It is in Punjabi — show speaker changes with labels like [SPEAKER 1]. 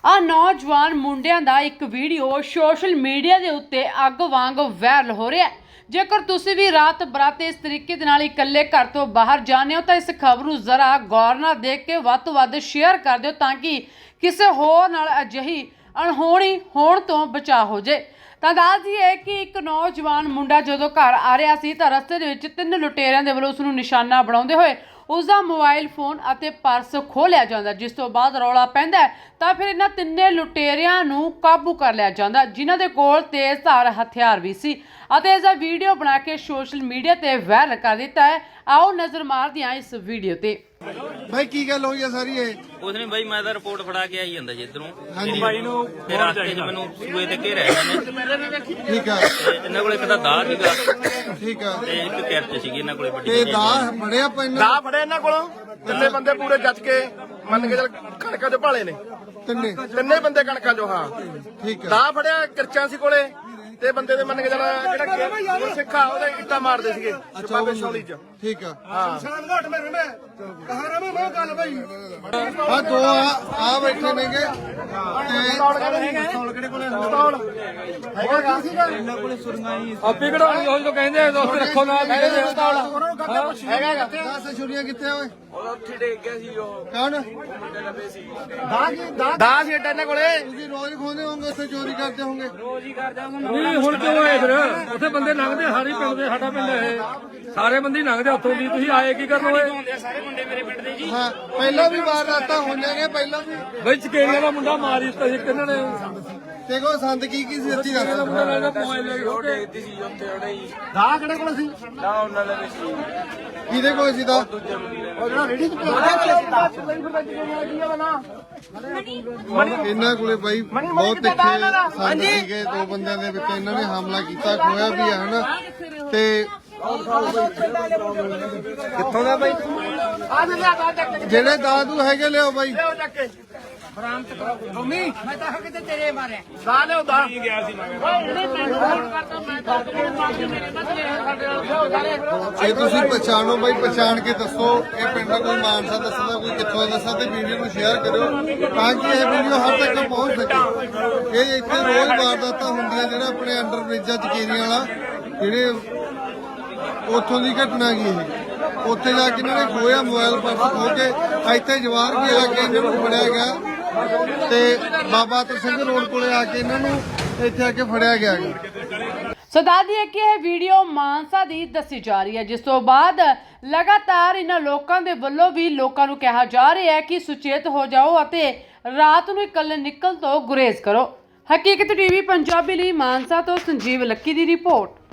[SPEAKER 1] ਆ ਨੌਜਵਾਨ ਮੁੰਡਿਆਂ ਦਾ ਇੱਕ ਵੀਡੀਓ ਸੋਸ਼ਲ ਮੀਡੀਆ ਦੇ ਉੱਤੇ ਅੱਗ ਵਾਂਗ ਵਾਇਰਲ ਹੋ ਰਿਹਾ ਹੈ। ਜੇਕਰ ਤੁਸੀਂ ਵੀ ਰਾਤ ਬਰਾਤੇ ਇਸ ਤਰੀਕੇ ਦੇ ਨਾਲ ਇਕੱਲੇ ਘਰ ਤੋਂ ਬਾਹਰ ਜਾਂਦੇ ਹੋ ਤਾਂ ਇਸ ਖਬਰ ਨੂੰ ਜ਼ਰਾ ਗੌਰ ਨਾਲ ਦੇਖ ਕੇ ਵੱਧ ਤੋਂ ਵੱਧ ਸ਼ੇਅਰ ਕਰ ਦਿਓ ਤਾਂ ਕਿ ਕਿਸੇ ਹੋਰ ਨਾਲ ਅਜਿਹੀ ਅਣਹੋਣੀ ਹੋਣ ਤੋਂ ਬਚਾਅ ਹੋ ਜਾਏ। ਤਾਂ ਦੱਸ ਦਈਏ ਕਿ ਇੱਕ ਨੌਜਵਾਨ ਮੁੰਡਾ ਜਦੋਂ ਘਰ ਆ ਰਿਹਾ ਸੀ ਤਾਂ ਰਸਤੇ ਦੇ ਵਿੱਚ 3 ਲੁਟੇਰਿਆਂ ਦੇ ਵੱਲੋਂ ਉਸ ਨੂੰ ਨਿਸ਼ਾਨਾ ਬਣਾਉਂਦੇ ਹੋਏ उसका मोबाइल फोन और पर्स खो लिया जाता, जिस तो बाद रौला पैंदा तो फिर इन्हां तिन्ने लुटेरियां नूं काबू कर लिया जाता, जिन्हां दे कोल तेज धार हथियार भी सी अते इसदा वीडियो बना के सोशल मीडिया ते वायरल कर दिता है। आओ नजर मारदे हां इस वीडियो ते।
[SPEAKER 2] भाई की गल होई है सारी ये
[SPEAKER 3] कुछ नहीं भाई, मैं तो रिपोर्ट फड़ा के आई ਜਾਂਦਾ ਜੀ ਇਧਰੋਂ।
[SPEAKER 2] ਹਾਂਜੀ
[SPEAKER 3] ਭਾਈ ਨੂੰ ਫਿਰ ਰਾਸਤੇ 'ਚ ਮੈਨੂੰ ਸੂਏ ਤੇ ਘੇਰਿਆ ਇਹਨੇ।
[SPEAKER 2] ठीक है
[SPEAKER 3] ਇਹਨਾਂ ਕੋਲੇ ਇੱਕ ਤਾਂ ਦਾਅ ਸੀਗਾ
[SPEAKER 2] ठीक है
[SPEAKER 3] ਤੇ ਇੱਕ ਕਿਰਚ ਸੀਗੀ ਇਹਨਾਂ ਕੋਲੇ ਵੱਡੀ
[SPEAKER 2] ते
[SPEAKER 3] ਜਿਹੀ।
[SPEAKER 2] दाह फड़िया पैन
[SPEAKER 4] ਦਾ ਫੜੇ ਇਹਨਾਂ ਕੋਲੋਂ ਤਿੰਨੇ ਬੰਦੇ ਪੂਰੇ ਜੱਜ ਕੇ ਮੰਨ ਕੇ ਚੱਲ ਕਣਕਾਂ ਚੋਂ ਭਾਲੇ ਨੇ
[SPEAKER 2] तिन्ने
[SPEAKER 4] ਤਿੰਨੇ ਬੰਦੇ ਕਣਕਾਂ ਚੋਂ। ਹਾਂ
[SPEAKER 2] ठीक है
[SPEAKER 4] ਦਾ ਫੜਿਆ ਕਿਰਚਾਂ ਸੀ ਕੋਲੇ ਤੇ ਬੰਦੇ ਦੇ ਮੰਨ ਕੇ ਚੱਲ ਜਿਹੜਾ ਸਿੱਖਾ ਉਹਦੇ ਇੱਟਾਂ ਮਾਰਦੇ ਸੀਗੇ ਬਾਬੇ ਸ਼ੌਲੀ ਚ।
[SPEAKER 2] ठीक है
[SPEAKER 4] ਹਾਂ
[SPEAKER 2] हाँ दो आ बैठे नेगे
[SPEAKER 5] ਆਪੀ ਕਢਾਉਣੀ ਉਹ ਜੋ ਕਹਿੰਦੇ ਦੋਸਤ ਰੱਖੋ ਨਾ ਵੀ ਕਹਿੰਦੇ
[SPEAKER 2] दस छुरियां कितने होए कौन
[SPEAKER 4] ਦਾ ਸੀ ਇੱਟਾਂ ਇਹਨਾਂ ਕੋਲੇ।
[SPEAKER 2] ਤੁਸੀਂ ਰੋਜ਼ ਖੋਦੇ ਹੋਗੇ ਉੱਥੇ ਚੋਰੀ ਕਰਦੇ ਹੋਗੇ
[SPEAKER 5] ਨਹੀਂ ਹੁਣ ਕਿਉਂ ਆਏ ਫਿਰ ਉੱਥੇ ਬੰਦੇ ਲੰਘਦੇ ਸਾਰੇ ਹੀ ਪਿੰਡ ਦੇ, ਸਾਡਾ ਪਿੰਡ ਇਹ ਸਾਰੇ ਬੰਦੇ ਹੀ ਲੰਘਦੇ ਉੱਥੋਂ ਦੀ, ਤੁਸੀਂ ਆਏ ਕੀ ਕਰਨ ਹੋਏ?
[SPEAKER 2] ਹਾਂ ਪਹਿਲਾਂ ਵੀ ਵਾਰਦਾਤਾਂ ਹੋਈਆਂ ਨੇ ਪਹਿਲਾਂ ਵੀ
[SPEAKER 5] ਬਈ ਚਕੇਰੀਆਂ ਦਾ ਮੁੰਡਾ ਮਾਰ ਦਿੱਤਾ ਸੀ ਕਿਹਨਾਂ ਨੇ?
[SPEAKER 2] ਦੇਖੋ ਸੰਦ ਕੀ ਸੀ ਸੱਚੀ
[SPEAKER 5] ਚਕੇਰੀਆਂ ਦਾ
[SPEAKER 2] ਦੱਸ
[SPEAKER 5] ਮੁੰਡਾ ਲੈ ਕੇ ਮੋਬਾਈਲ ਲੈ ਕੇ ਹੋ ਕੇ
[SPEAKER 4] ਦਾ ਕਿਹੜੇ ਕੋਲ ਸੀ?
[SPEAKER 2] ਕਿਹਦੇ ਕੋਲ ਸੀ ਦਾ
[SPEAKER 4] ਉਹ ਜਿਹੜਾ ਰੇੜੀ ਚ
[SPEAKER 2] ਇਹਨਾਂ ਕੋਲੇ ਬਾਈ ਬਹੁਤ ਤਿੱਖੇ ਸੰਦ ਸੀਗੇ। ਦੋ ਬੰਦਿਆਂ ਦੇ ਵਿੱਚ ਇਹਨਾਂ ਨੇ ਹਮਲਾ ਕੀਤਾ, ਖੋਇਆ ਵੀ ਹੈ ਹਨਾ। ਤੇ
[SPEAKER 4] ਕਿੱਥੋਂ ਦਾ ਬਾਈ? ਆ ਦੇ ਲਿਆ ਦਾ ਚੱਕ ਕੇ
[SPEAKER 2] ਜਿਹੜੇ ਦਾਦੂ ਹੈਗੇ ਲਿਓ ਬਾਈ
[SPEAKER 4] ਲਿਓ ਚੱਕ ਕੇ ਮੰਮੀ ਮੈਂ ਤਾਂ ਕਿਤੇ ਤੇਰੇ ਮਾਰਿਆ ਦਾ ਲਿਓ ਦਾ ਕੀ ਗਿਆ ਸੀ
[SPEAKER 2] ਇਹ ਤੁਸੀਂ ਪਛਾਣੋ ਬਾਈ, ਪਛਾਣ ਕੇ ਦੱਸੋ ਇਹ ਪਿੰਡ ਦਾ ਕੋਈ ਮਾਨਸਾ ਦੱਸਦਾ, ਕੋਈ ਕਿੱਥੋਂ ਦੱਸਦਾ ਤੇ ਵੀਡੀਓ ਨੂੰ ਸ਼ੇਅਰ ਕਰਿਓ ਤਾਂ ਕਿ ਇਹ ਵੀਡੀਓ ਹਰ ਤੱਕ ਪਹੁੰਚ ਸਕੇ। ਇਹ ਇੱਥੇ ਰੋਜ਼ ਵਾਰਦਾਤਾਂ ਹੁੰਦੀਆਂ ਜਿਹੜਾ ਆਪਣੇ ਅੰਡਰ ਬ੍ਰਿਜਾਂ ਚਕੇਰੀਆਂ ਵਾਲਾ ਜਿਹੜੇ ਉੱਥੋਂ ਦੀ ਘਟਨਾ ਗਈ ਇਹ। ਉੱਥੇ ਜਾ ਕੇ ਇਹਨਾਂ ਨੇ ਖੋਇਆ ਮੋਬਾਈਲ ਪਰਸ ਖੋ ਕੇ ਇੱਥੇ ਜਵਾਰ ਵੀ ਆ ਕੇ ਇਹਨਾਂ ਨੂੰ ਫੜਿਆ ਗਿਆ ਤੇ ਬਾਬਾ ਅਤਰ ਸਿੰਘ ਰੋਡ ਕੋਲੇ ਆ ਕੇ ਇਹਨਾਂ ਨੂੰ ਇੱਥੇ ਆ ਕੇ ਫੜਿਆ ਗਿਆ।
[SPEAKER 1] ਸੋ ਦੱਸ ਦਈਏ ਕਿ ਇਹ ਵੀਡੀਓ ਮਾਨਸਾ ਦੀ ਦੱਸੀ ਜਾ ਰਹੀ ਹੈ, ਜਿਸ ਤੋਂ ਬਾਅਦ ਲਗਾਤਾਰ ਇਹਨਾਂ ਲੋਕਾਂ ਦੇ ਵੱਲੋਂ ਵੀ ਲੋਕਾਂ ਨੂੰ ਕਿਹਾ ਜਾ ਰਿਹਾ ਹੈ ਕਿ ਸੁਚੇਤ ਹੋ ਜਾਓ ਅਤੇ ਰਾਤ ਨੂੰ ਇਕੱਲੇ ਨਿਕਲ ਤੋਂ ਗੁਰੇਜ਼ ਕਰੋ। ਹਕੀਕਤ ਟੀਵੀ ਪੰਜਾਬੀ ਲਈ ਮਾਨਸਾ ਤੋਂ ਸੰਜੀਵ ਲੱਕੀ ਦੀ ਰਿਪੋਰਟ।